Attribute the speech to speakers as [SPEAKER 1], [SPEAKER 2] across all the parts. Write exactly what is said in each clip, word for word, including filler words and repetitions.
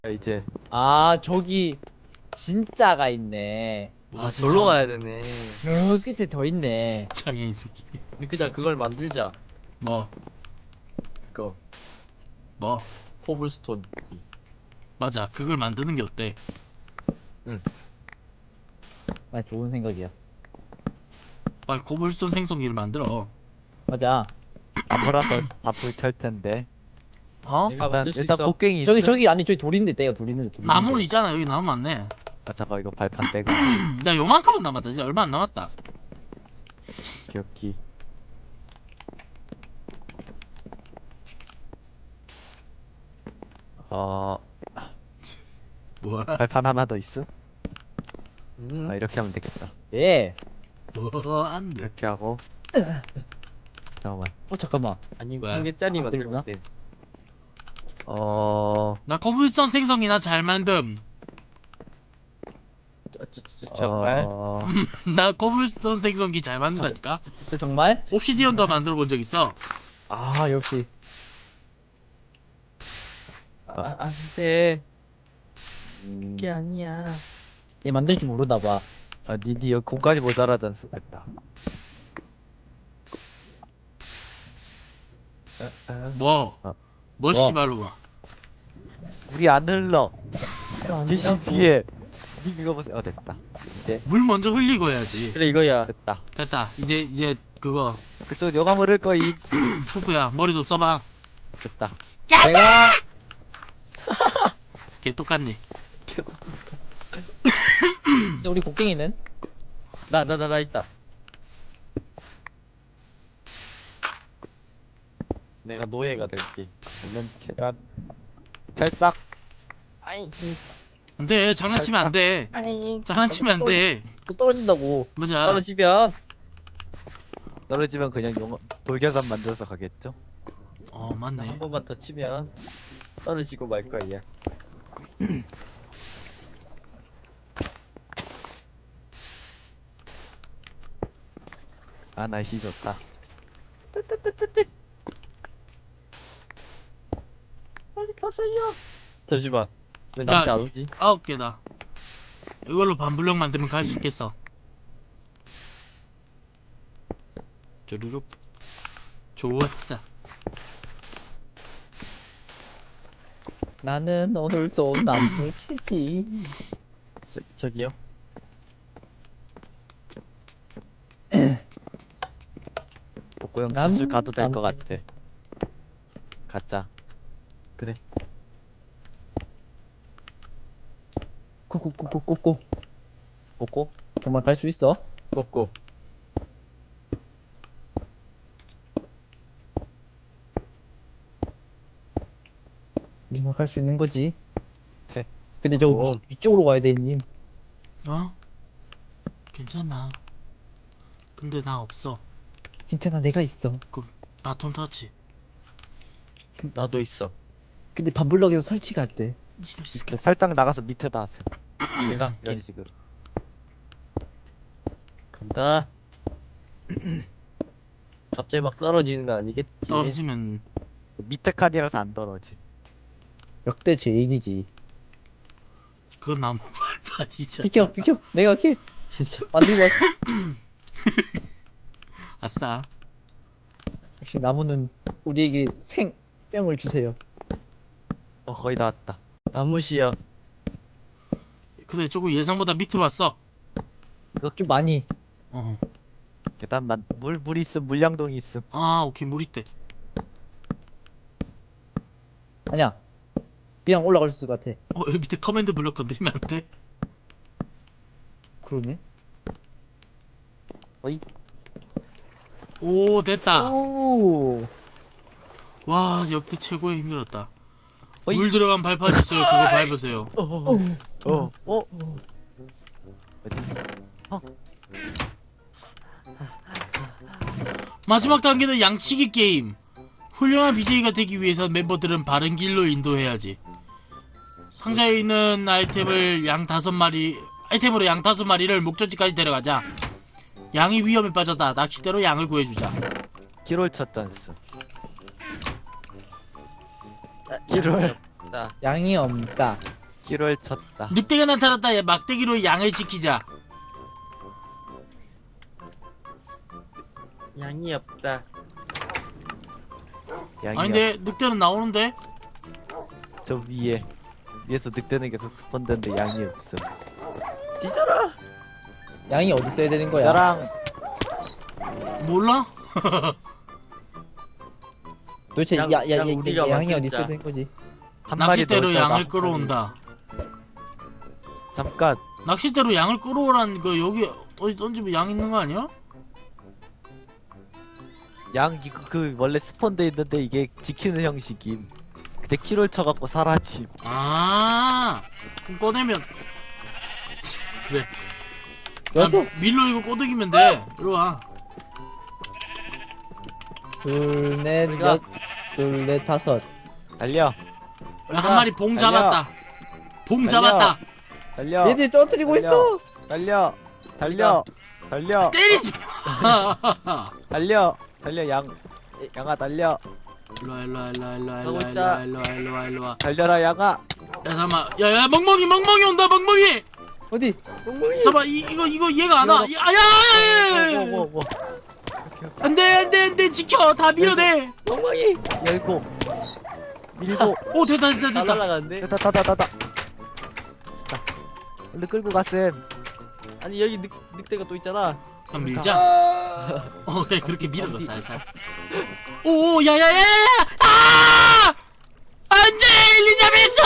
[SPEAKER 1] 이제
[SPEAKER 2] 아 저기 진짜가 있네.
[SPEAKER 3] 아, 절로 가야 되네.
[SPEAKER 2] 저 끝에 더 있네.
[SPEAKER 4] 장애인 새끼.
[SPEAKER 3] 그냥 그걸 만들자.
[SPEAKER 4] 뭐?
[SPEAKER 3] 그거
[SPEAKER 4] 뭐?
[SPEAKER 3] 코블스톤.
[SPEAKER 4] 맞아. 그걸 만드는 게 어때?
[SPEAKER 2] 아 좋은 생각이야.
[SPEAKER 4] 빨리 코블스톤 생성기를 만들어.
[SPEAKER 2] 맞아.
[SPEAKER 1] 나무라서 다 불탈 텐데.
[SPEAKER 4] 어?
[SPEAKER 3] 내가
[SPEAKER 1] 일단
[SPEAKER 3] 만들 수
[SPEAKER 1] 일단
[SPEAKER 3] 있어.
[SPEAKER 1] 곡괭이
[SPEAKER 2] 저기
[SPEAKER 1] 있음?
[SPEAKER 2] 저기 아니 저기 돌 있는데 떼요. 돌 있는데 돌.
[SPEAKER 4] 나무는
[SPEAKER 2] 있는데.
[SPEAKER 4] 있잖아. 여기 나무 많네.
[SPEAKER 1] 아 잠깐 이거 발판 떼고
[SPEAKER 4] 야, 요만큼은 남았다. 이제 얼마 안 남았다.
[SPEAKER 1] 기억기. 어
[SPEAKER 4] 뭐야?
[SPEAKER 1] 발판 하나 더 있음?
[SPEAKER 3] 음.
[SPEAKER 1] 아 이렇게 하면 되겠다.
[SPEAKER 2] 예.
[SPEAKER 4] 뭐, 안 돼.
[SPEAKER 1] 이렇게 하고 잠깐만.
[SPEAKER 2] 어 잠깐만.
[SPEAKER 3] 아니
[SPEAKER 4] 왜?
[SPEAKER 3] 한 개짜리
[SPEAKER 2] 만들구나?
[SPEAKER 3] 만들 때.
[SPEAKER 1] 어
[SPEAKER 4] 나 코블스톤 생성기나 잘 만듦.
[SPEAKER 3] 저, 저, 저, 정말?
[SPEAKER 1] 어...
[SPEAKER 4] 나 코블스톤 생성기 잘 만든다니까?
[SPEAKER 2] 진짜 정말?
[SPEAKER 4] 옵시디언도 만들어 본 적 있어.
[SPEAKER 2] 아 역시.
[SPEAKER 3] 아, 안 돼.
[SPEAKER 1] 음...
[SPEAKER 3] 그게 아니야.
[SPEAKER 2] 얘 만들 줄 모르나 봐.
[SPEAKER 1] 아 니니 여기 공간이 모자라잖아. 됐다.
[SPEAKER 3] 아, 아.
[SPEAKER 4] 뭐?
[SPEAKER 1] 어.
[SPEAKER 4] 뭐,
[SPEAKER 2] 뭐?
[SPEAKER 4] 씨발로.
[SPEAKER 1] 물이 안 흘러.
[SPEAKER 3] 안
[SPEAKER 1] 계신
[SPEAKER 3] 된다고.
[SPEAKER 1] 뒤에. 니 이거 보세요. 어 됐다. 이제
[SPEAKER 4] 물 먼저 흘리고 해야지.
[SPEAKER 3] 그래 이거야.
[SPEAKER 1] 됐다.
[SPEAKER 4] 됐다. 이제, 이제, 그거,
[SPEAKER 1] 그쪽 요가 물을 거임.
[SPEAKER 4] 푸푸야, 머리 좀 써봐.
[SPEAKER 1] 됐다.
[SPEAKER 2] 내가
[SPEAKER 4] 걔 똑같네.
[SPEAKER 2] 근데 우리 곡괭이는?
[SPEAKER 3] 나 나 나 나 있다. 내가 노예가 될게.
[SPEAKER 1] 물론 계란. 찰싹.
[SPEAKER 3] 아이.
[SPEAKER 4] 안 돼. 장난치면 안 돼.
[SPEAKER 3] 아이.
[SPEAKER 4] 장난치면 안 돼.
[SPEAKER 2] 또 떨어진다고.
[SPEAKER 4] 맞아.
[SPEAKER 3] 떨어지면
[SPEAKER 1] 떨어지면 그냥 용 돌계산 만들어서 가겠죠?
[SPEAKER 4] 어,
[SPEAKER 3] 한
[SPEAKER 4] 맞네.
[SPEAKER 3] 번만 더 치면 떨어지고 말 거야.
[SPEAKER 1] 아 날씨 좋다.
[SPEAKER 3] 빨리 가세요. 잠시만. 왜
[SPEAKER 4] 야.
[SPEAKER 3] 나한테 안 오지?
[SPEAKER 4] 아홉 개다. 이걸로 반블럭 만들면 갈 수 있겠어. 쭈루룩. 좋았어.
[SPEAKER 2] 나는 오늘 쏜 나무 캐지.
[SPEAKER 3] 저, 저기요.
[SPEAKER 1] 복고 형
[SPEAKER 2] 남-
[SPEAKER 1] 슬슬 가도 될 것
[SPEAKER 2] 남-
[SPEAKER 1] 같아. 가자.
[SPEAKER 3] 그래.
[SPEAKER 2] 꼬꼬꼬꼬꼬꼬.
[SPEAKER 1] 복고?
[SPEAKER 2] 정말 갈 수 있어?
[SPEAKER 3] 먹고.
[SPEAKER 2] 정말 갈 수 있는 거지.
[SPEAKER 1] 돼.
[SPEAKER 2] 근데 저
[SPEAKER 3] 어.
[SPEAKER 2] 위- 위쪽으로 가야 돼, 님.
[SPEAKER 4] 어? 괜찮아. 근데 나 없어.
[SPEAKER 2] 괜찮아, 내가 있어.
[SPEAKER 4] 바톤 터치.
[SPEAKER 3] 나도 있어.
[SPEAKER 2] 근데 반블럭에서 설치가 안 돼.
[SPEAKER 4] 이럴 수가.
[SPEAKER 1] 이렇게 살짝 나가서 밑에다 하세요.
[SPEAKER 3] 내가
[SPEAKER 1] 이런 식으로.
[SPEAKER 3] 간다. 갑자기 막 떨어지는 거 아니겠지?
[SPEAKER 4] 떨어지면
[SPEAKER 1] 밑에 칸이라서 안 떨어지.
[SPEAKER 2] 역대 제일이지.
[SPEAKER 4] 그건 나무 발판이잖아.
[SPEAKER 2] 비켜, 비켜. 내가 이렇게
[SPEAKER 3] 진짜.
[SPEAKER 2] 만들고 왔어.
[SPEAKER 4] 아싸.
[SPEAKER 2] 역시 나무는 우리에게 생명을 주세요.
[SPEAKER 1] 어 거의 다 왔다.
[SPEAKER 3] 나무시야.
[SPEAKER 4] 근데 조금 예상보다 밑으로 왔어.
[SPEAKER 2] 좀 많이.
[SPEAKER 4] 어.
[SPEAKER 1] 계단만 물 물 있음 물량동이 있음.
[SPEAKER 4] 아, 오케이. 물 있대.
[SPEAKER 2] 아니야. 그냥 올라갈 수 있을 것 같아.
[SPEAKER 4] 어, 여기 밑에 커맨드 블럭 건드리면 안 돼?
[SPEAKER 2] 그러네.
[SPEAKER 1] 어이.
[SPEAKER 4] 오, 됐다.
[SPEAKER 2] 오.
[SPEAKER 4] 와, 역대 최고의 힘들었다.
[SPEAKER 1] 어이.
[SPEAKER 4] 물 들어간 발판 있어요. 그거 밟으세요.
[SPEAKER 1] 어. 어. 뭐지?
[SPEAKER 4] 마지막 단계는 양치기 게임. 훌륭한 비제이가 되기 위해서 멤버들은 바른 길로 인도해야지. 상자에 있는 아이템을 양 다섯 마리, 아이템으로 양 다섯 마리를 목적지까지 데려가자. 양이 위험에 빠졌다. 낚싯대로 양을 구해주자.
[SPEAKER 1] 기롤 첫 잔스.
[SPEAKER 3] 일월. 없다.
[SPEAKER 2] 양이 없다.
[SPEAKER 1] 기로를 쳤다.
[SPEAKER 4] 늑대가 나타났다. 얘 막대기로 양을 지키자.
[SPEAKER 3] 양이 없다.
[SPEAKER 1] 양이
[SPEAKER 4] 아니 근데 늑대는 나오는데?
[SPEAKER 1] 저 위에 위에서 늑대는 계속 스폰되는데 양이 없음.
[SPEAKER 3] 뒤져라.
[SPEAKER 2] 양이 어디 써야 되는 거야?
[SPEAKER 1] 저랑
[SPEAKER 4] 몰라?
[SPEAKER 2] 도대체
[SPEAKER 3] 양-
[SPEAKER 2] 야, 야,
[SPEAKER 3] 양
[SPEAKER 2] 야,
[SPEAKER 3] 우리가
[SPEAKER 2] 야, 양이 어디
[SPEAKER 3] 만들자.
[SPEAKER 2] 써야 되는 거지?
[SPEAKER 1] 한 마리
[SPEAKER 4] 낚싯대로
[SPEAKER 1] 넣을까 봐.
[SPEAKER 4] 양을 끌어온다.
[SPEAKER 1] 잠깐.
[SPEAKER 4] 낚싯대로 양을 끌어오라는 거 여기 어디 던지면 양 있는 거 아니야?
[SPEAKER 1] 양 이거 그 원래 스폰돼 있는데 이게 지키는 형식임. 근데 키를 쳐갖고 사라짐.
[SPEAKER 4] 아, 그럼 꺼내면 그래.
[SPEAKER 2] 여섯,
[SPEAKER 4] 아, 밀로 이거 꼬드기면 돼. 이리 와.
[SPEAKER 2] 둘, 넷,
[SPEAKER 3] 우리가-
[SPEAKER 2] 여, 둘, 넷, 다섯.
[SPEAKER 1] 달려,
[SPEAKER 4] 야, 한 마리 봉
[SPEAKER 1] 달려.
[SPEAKER 4] 잡았다. 봉
[SPEAKER 1] 달려.
[SPEAKER 4] 잡았다.
[SPEAKER 1] 달려,
[SPEAKER 2] 얘들 떠뜨리고
[SPEAKER 1] 달려.
[SPEAKER 2] 있어.
[SPEAKER 1] 달려, 달려, 달려,
[SPEAKER 4] 때리지.
[SPEAKER 1] 달려, 달려 양, 양아 달려,
[SPEAKER 4] 일로 와, 일로 와, 일로 와, 일로 와, 일로
[SPEAKER 3] 가고
[SPEAKER 4] 와,
[SPEAKER 3] 있다.
[SPEAKER 4] 일로 와, 일로 와, 일로 와.
[SPEAKER 1] 달려라 양아.
[SPEAKER 4] 야, 잠깐만. 야, 야, 멍멍이, 멍멍이 온다, 멍멍이.
[SPEAKER 2] 어디?
[SPEAKER 3] 멍멍이.
[SPEAKER 4] 잠깐만, 이, 이거, 이거 얘가 안 와. 야, 야, 야, 야, 야.
[SPEAKER 1] 뭐, 뭐, 뭐.
[SPEAKER 4] 안 돼, 안 돼, 안 돼. 지켜. 다 밀어내.
[SPEAKER 3] 멍멍이.
[SPEAKER 1] 열고, 밀고,
[SPEAKER 4] 오, 됐다, 됐다,
[SPEAKER 3] 다
[SPEAKER 4] 됐다.
[SPEAKER 3] 날라가는데.
[SPEAKER 1] 다다 다다 다다. 자, 얼른 끌고 갔음.
[SPEAKER 3] 아니 여기 늑 늑대가 또 있잖아.
[SPEAKER 4] 그럼 밀자. 어, 그래, 그렇게 밀어줘, 살살. 오, 야, 야, 야, 야! 아! 안 돼, 엘리자베스!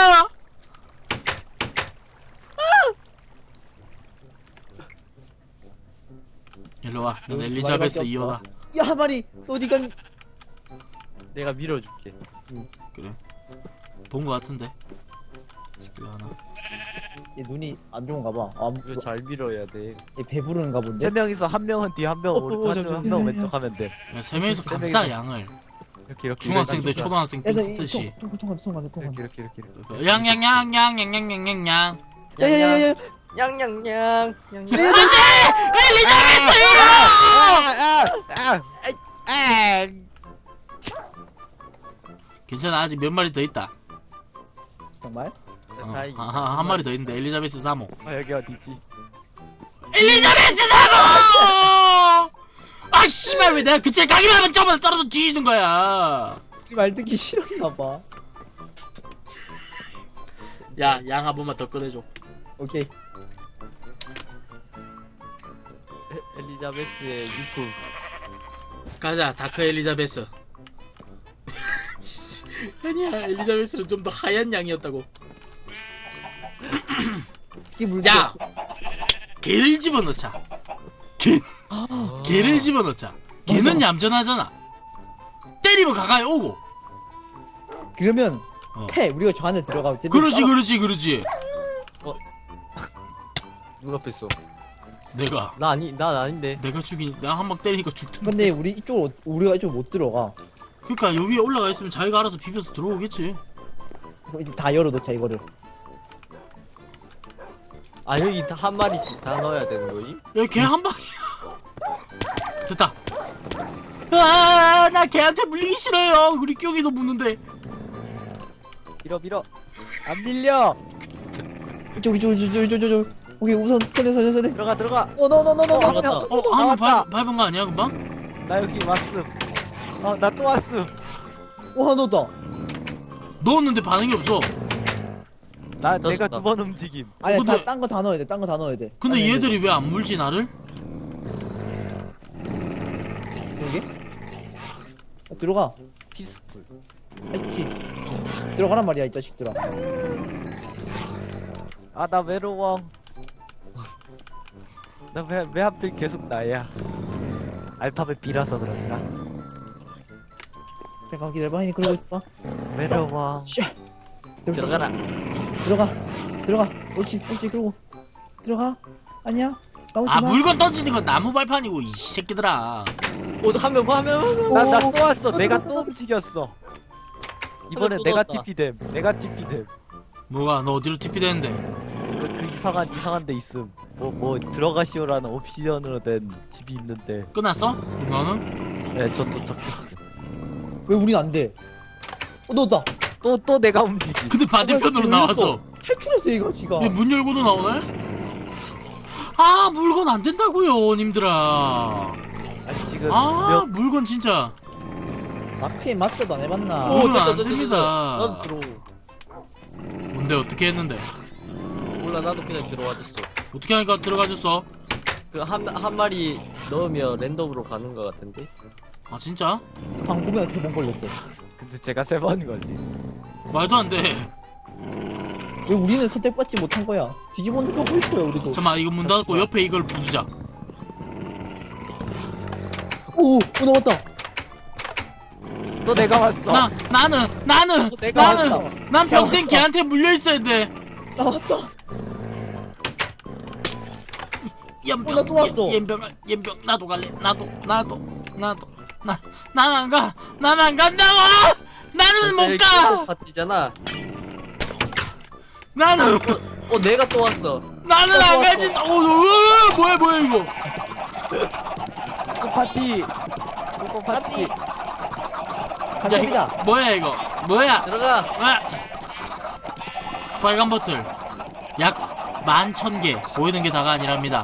[SPEAKER 4] 일로 와, 넌
[SPEAKER 2] 여기 두
[SPEAKER 4] 엘리자베스
[SPEAKER 2] 마리밖에
[SPEAKER 4] 이어가.
[SPEAKER 2] 없어. 야, 한 마리 어디 간?
[SPEAKER 3] 내가 밀어줄게.
[SPEAKER 4] 그래. 본 거 같은데. 스킬 하나.
[SPEAKER 2] 얘 눈이 안 좋은가 봐. 아,
[SPEAKER 3] 이거 잘 밀어야 돼.
[SPEAKER 2] 얘 배부른가 본데.
[SPEAKER 1] 세 명이서 한 명은 뒤, 한 명은
[SPEAKER 3] 어, 어,
[SPEAKER 1] 오른쪽, 한
[SPEAKER 3] 잠시만.
[SPEAKER 1] 명은 한 명은
[SPEAKER 2] 야, 야,
[SPEAKER 1] 왼쪽 하면 돼.
[SPEAKER 4] 야, 세 명이서
[SPEAKER 1] 세
[SPEAKER 4] 감싸,
[SPEAKER 1] 명이서.
[SPEAKER 4] 양을.
[SPEAKER 1] 이렇게 이렇게.
[SPEAKER 4] 중학생들,
[SPEAKER 1] 이렇게,
[SPEAKER 4] 초등학생
[SPEAKER 2] 야, 나 이-
[SPEAKER 4] 뜻이.
[SPEAKER 2] 통, 통, 통, 통과돼, 통과돼, 통과돼.
[SPEAKER 1] 이렇게 이렇게 이렇게.
[SPEAKER 4] 양, 양, 양, 양, 양, 양, 양, 양, 양.
[SPEAKER 2] 야, 야, 야, 야,
[SPEAKER 3] 양양양. 양양.
[SPEAKER 2] 얘들
[SPEAKER 4] 엘리자베스요!
[SPEAKER 1] 아, 아, 아,
[SPEAKER 4] 괜찮아, 아직 몇 마리 더 있다.
[SPEAKER 2] 정말?
[SPEAKER 4] 어,
[SPEAKER 3] 다행히.
[SPEAKER 4] 아, 한, 한 마리 더 있는데, 엘리자베스 사모.
[SPEAKER 1] 아, 여기 어디지?
[SPEAKER 4] 엘리자베스 사모! 아, 씨발, 왜 내가 그쪽에 가기만 하면 저번에 떨어져 뒤지는 거야.
[SPEAKER 2] 말 듣기 싫었나 봐.
[SPEAKER 4] 야, 양 한 번만 더 꺼내줘.
[SPEAKER 2] 오케이.
[SPEAKER 3] 에- 엘리자베스의 유품.
[SPEAKER 4] 가자, 다크 엘리자베스. 아니야, 엘리자베스는 좀 더 하얀 양이었다고.
[SPEAKER 2] 이게 물.
[SPEAKER 4] 야! 개를 집어넣자. 개, 개를 집어넣자. 개는
[SPEAKER 2] 맞아.
[SPEAKER 4] 얌전하잖아. 때리면 가까이 오고.
[SPEAKER 2] 그러면
[SPEAKER 4] 어.
[SPEAKER 2] 패 우리가 저 안에 들어가면 쟤들
[SPEAKER 4] 그렇지,
[SPEAKER 2] 따라-
[SPEAKER 4] 그렇지, 그렇지.
[SPEAKER 3] 누가 뺐어?
[SPEAKER 4] 내가,
[SPEAKER 3] 나 아니 난 아닌데.
[SPEAKER 4] 내가 죽이니, 내가 한 방 때리니까 죽던데.
[SPEAKER 2] 근데 우리 이쪽 우리가 이쪽 못 들어가.
[SPEAKER 4] 그니까, 여기 올라가 있으면 자기가 알아서 비벼서 들어오겠지.
[SPEAKER 2] 이거 이제 다 열어놓자 이거를.
[SPEAKER 3] 아 여기 다 한 마리씩 다 넣어야 되는 거임?
[SPEAKER 4] 야, 개 한 방이야. 됐다. 아, 나 개한테 물리기 싫어요. 우리 껴기도 묻는데.
[SPEAKER 1] 밀어 밀어. 안 밀려.
[SPEAKER 2] 이쪽 이쪽 이쪽 이쪽 이쪽 이쪽. 오케이 우선 세대 세대 세대.
[SPEAKER 1] 들어가 들어가.
[SPEAKER 2] 어너너너너너너.
[SPEAKER 4] 어, 한 번 밟은 거 아니야, 금방?
[SPEAKER 1] 나 여기 왔음. 어, 나 또 왔음.
[SPEAKER 2] 와 넣었다.
[SPEAKER 4] 넣었는데 반응이 없어.
[SPEAKER 1] 나
[SPEAKER 3] 나
[SPEAKER 1] 내가
[SPEAKER 3] 나.
[SPEAKER 1] 두 번 움직임.
[SPEAKER 2] 아니
[SPEAKER 4] 근데-
[SPEAKER 2] 다 딴 거 다 넣어야 돼. 딴 거 다 넣어야 돼.
[SPEAKER 4] 근데
[SPEAKER 2] 아니,
[SPEAKER 4] 얘들이 왜 안 물지, 나를?
[SPEAKER 2] 여기? 아, 들어가.
[SPEAKER 1] 피스풀.
[SPEAKER 2] 아이키. 들어가란 말이야 이 자식들아.
[SPEAKER 1] 아, 나 외로워. 나 왜 왜 하필 계속 나야? 알파벳 B라서 그런가?
[SPEAKER 2] 잠깐 기다려봐. 하니 그러고 있어.
[SPEAKER 1] 외로워.
[SPEAKER 2] 쉣.
[SPEAKER 3] 들어가라.
[SPEAKER 2] 들어가. 들어가. 옳지 옳지 그러고 들어가. 아니야. 나오지
[SPEAKER 4] 아,
[SPEAKER 2] 마.
[SPEAKER 4] 물건 던지는 건 나무 발판이고, 이 새끼들아.
[SPEAKER 3] 어한명 봐, 한 명.
[SPEAKER 1] 나 나
[SPEAKER 2] 오.
[SPEAKER 1] 또 왔어.
[SPEAKER 2] 어,
[SPEAKER 1] 내가
[SPEAKER 2] 또,
[SPEAKER 1] 또
[SPEAKER 2] 또, 또.
[SPEAKER 1] 움직였어. 이번엔
[SPEAKER 3] 또
[SPEAKER 1] 내가
[SPEAKER 3] 넣었다.
[SPEAKER 1] 티피됨. 내가 티피됨.
[SPEAKER 4] 뭐가, 너 어디로 티피 되는데?
[SPEAKER 1] 그, 그 이상한 이상한 데 있음. 뭐 뭐 들어가시오라는 옵션으로 된 집이 있는데.
[SPEAKER 4] 끝났어? 너는?
[SPEAKER 1] 네, 저또 적혔어.
[SPEAKER 2] 왜 우린 안 돼? 어 넣었다.
[SPEAKER 1] 또 또 내가 움직임.
[SPEAKER 4] 근데 반대편으로 나와서
[SPEAKER 2] 탈출했어 이거 지가.
[SPEAKER 4] 왜 문 열고도 나오네? 아 물건 안 된다고요 님들아.
[SPEAKER 1] 아니 지금
[SPEAKER 4] 아
[SPEAKER 1] 몇
[SPEAKER 4] 물건 진짜
[SPEAKER 2] 마크에 맞춰도 안 해봤나?
[SPEAKER 4] 오,
[SPEAKER 3] 오,
[SPEAKER 4] 그건
[SPEAKER 3] 됐다,
[SPEAKER 4] 안
[SPEAKER 3] 됐다,
[SPEAKER 4] 됩니다.
[SPEAKER 3] 됐다. 나도 들어.
[SPEAKER 4] 뭔데 어떻게 했는데
[SPEAKER 3] 몰라, 나도 그냥 들어와줬어.
[SPEAKER 4] 어떻게 하니까 들어가줬어?
[SPEAKER 3] 그 한 한 마리 넣으면 랜덤으로 가는 것 같은데.
[SPEAKER 4] 아 진짜?
[SPEAKER 2] 방구면 세 번 걸렸어.
[SPEAKER 1] 근데 제가 세 번 걸리.
[SPEAKER 4] 말도 안 돼.
[SPEAKER 2] 왜 우리는 선택받지 못한 거야? 뒤집어놓고 가고 있어요 우리도.
[SPEAKER 4] 잠깐만 이거 문 닫고 옆에 이걸 부수자.
[SPEAKER 2] 오, 오 나왔다.
[SPEAKER 1] 또 내가 왔어.
[SPEAKER 4] 나 나는 나는
[SPEAKER 1] 내가
[SPEAKER 4] 나는
[SPEAKER 2] 왔어.
[SPEAKER 4] 난 평생
[SPEAKER 2] 왔어.
[SPEAKER 4] 걔한테 물려 있어야 돼.
[SPEAKER 2] 나왔다.
[SPEAKER 4] 연병
[SPEAKER 2] 어, 나또 왔어.
[SPEAKER 4] 연병 연병 나도 갈래. 나도 나도 나도 나 난 안 가. 난 안 간다고. 나는 못 가.
[SPEAKER 3] 파티잖아.
[SPEAKER 4] 나는
[SPEAKER 3] 어, 내가 또 왔어.
[SPEAKER 4] 나는
[SPEAKER 2] 또
[SPEAKER 4] 안
[SPEAKER 2] 왔어.
[SPEAKER 4] 가지. 어, 어, 뭐야 뭐야 이거.
[SPEAKER 1] 꼬꼬 파티. 꼬꼬 파티.
[SPEAKER 2] 간첩이다.
[SPEAKER 4] 뭐야 이거? 뭐야?
[SPEAKER 3] 들어가.
[SPEAKER 4] 아! 빨간 버틀 약 만 천 개 보이는 게 다가 아니랍니다.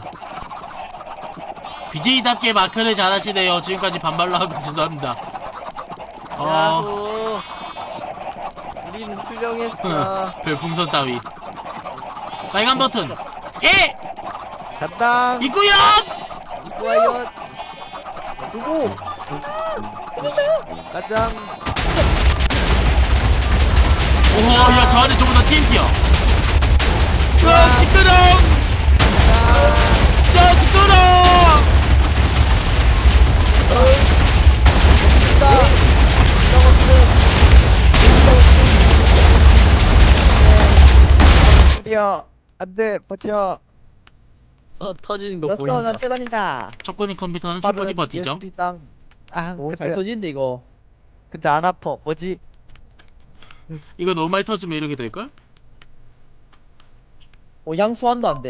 [SPEAKER 4] 비제이답게 마크를 잘하시네요. 지금까지 반말로 하고 죄송합니다. 어,
[SPEAKER 3] 야호. 우리는 훌륭했어.
[SPEAKER 4] 별풍선 따위. 빨간 버튼 예!
[SPEAKER 1] 간다.
[SPEAKER 4] 있구요!
[SPEAKER 1] 이거요.
[SPEAKER 2] 누구?
[SPEAKER 1] 가장.
[SPEAKER 4] 오호 야 저 안에 전부 다 티엔티야. 으아 시끄러! 저 시끄러!
[SPEAKER 1] 드디어 안돼 버텨.
[SPEAKER 3] 어, 터지는 거
[SPEAKER 2] 됐어,
[SPEAKER 3] 보인다.
[SPEAKER 2] 나 떼다닌다.
[SPEAKER 4] 첫번째 컴퓨터는 충분히 버티죠.
[SPEAKER 1] 예술이당. 아
[SPEAKER 2] 오, 잘
[SPEAKER 1] 근데,
[SPEAKER 2] 터지는데 이거.
[SPEAKER 1] 근데 안 아파. 뭐지?
[SPEAKER 4] 이거 너무 많이 터지면 이렇게 될걸?
[SPEAKER 2] 어, 양수환도 안 돼.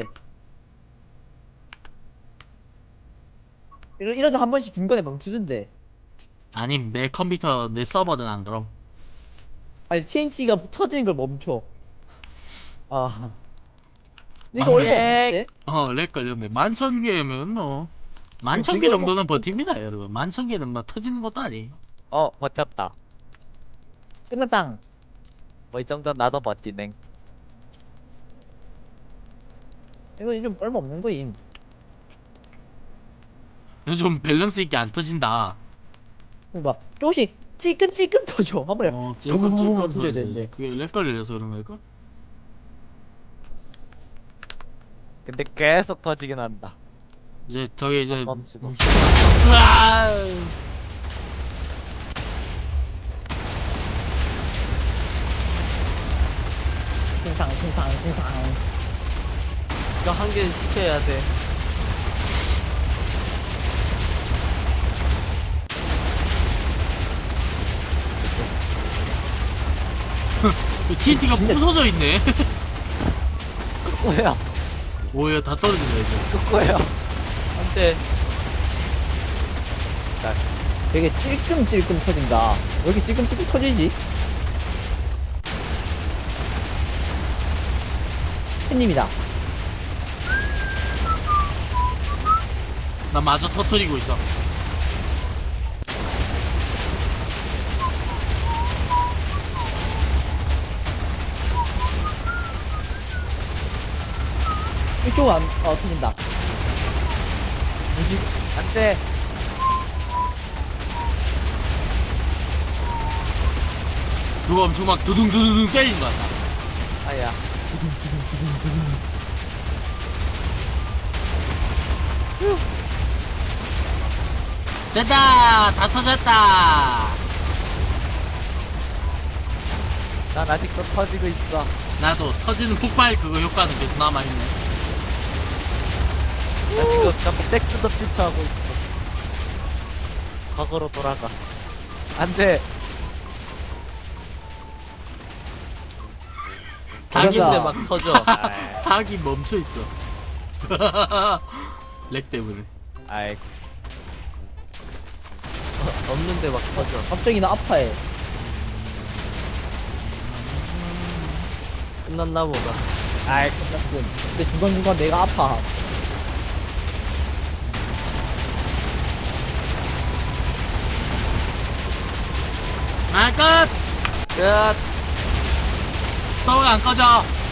[SPEAKER 2] 이러, 이러다 한 번씩 중간에 멈추던데.
[SPEAKER 4] 아니 내 컴퓨터 내 서버는 안 그럼.
[SPEAKER 2] 아니, 티엔티가 터지는 걸 멈춰.
[SPEAKER 1] 아
[SPEAKER 2] 이거
[SPEAKER 4] 아,
[SPEAKER 2] 얼마
[SPEAKER 1] 예.
[SPEAKER 2] 없는데?
[SPEAKER 4] 어, 렉 걸렸네. 만천 개면 뭐 만천 개
[SPEAKER 2] 이거
[SPEAKER 4] 정도는 버팁니다, 여러분. 만천 개는 뭐 터지는 것도 아니.
[SPEAKER 1] 어 버텼다.
[SPEAKER 2] 끝났당.
[SPEAKER 1] 뭐 이 정도 나도 버티네.
[SPEAKER 2] 이거 좀 얼마 없는 거임.
[SPEAKER 4] 좀 밸런스 있게 안 터진다.
[SPEAKER 2] 막 조금씩 찔끔찔끔 터져. 한 번에.
[SPEAKER 4] 어,
[SPEAKER 2] 붕붕붕
[SPEAKER 4] 찔끔
[SPEAKER 2] 터져야
[SPEAKER 4] 터져야
[SPEAKER 2] 되는데.
[SPEAKER 4] 그게 렉 걸려서 그런 걸걸?
[SPEAKER 1] 근데 계속 터지긴 한다.
[SPEAKER 4] 이제 저게 이제
[SPEAKER 1] 멈추고.
[SPEAKER 4] 으아!
[SPEAKER 2] 퉁탕 퉁탕 퉁탕.
[SPEAKER 3] 이거 한 개는 지켜야 돼.
[SPEAKER 4] 티엔티가
[SPEAKER 2] 진짜-
[SPEAKER 4] 부서져 있네.
[SPEAKER 1] 꼬야
[SPEAKER 4] 오야 다 떨어진다 이제.
[SPEAKER 1] 꼬야.
[SPEAKER 3] 안 돼.
[SPEAKER 2] 되게 찔끔찔끔 터진다. 왜 이렇게 찔끔찔끔 터지지? 팬님이다.
[SPEAKER 4] 나 마저 터뜨리고 있어.
[SPEAKER 2] 이쪽은 안, 어, 터진다.
[SPEAKER 1] 안돼.
[SPEAKER 4] 누가 엄청 막 두둥두둥 때리는 것 같다.
[SPEAKER 1] 아야.
[SPEAKER 4] 됐다! 다 터졌다!
[SPEAKER 1] 난 아직도 터지고 있어.
[SPEAKER 4] 나도 터지는 폭발 그거 효과는 계속 남아있네.
[SPEAKER 1] 나 지금 자꾸 백투더 퓨처 하고 있어. 과거로 돌아가. 안돼.
[SPEAKER 4] 닭이,
[SPEAKER 2] 맞아.
[SPEAKER 3] 근데 막 터져.
[SPEAKER 1] 아이,
[SPEAKER 4] 닭이 멈춰있어. 렉 때문에.
[SPEAKER 1] 아이
[SPEAKER 3] 없는데 막 터져.
[SPEAKER 2] 갑자기 나 아파해.
[SPEAKER 3] 끝났나 보다.
[SPEAKER 2] 아이 끝났음. 근데 중간중간 내가 아파.
[SPEAKER 4] 아, 끝!
[SPEAKER 3] 끝.
[SPEAKER 4] 서울 안 꺼져.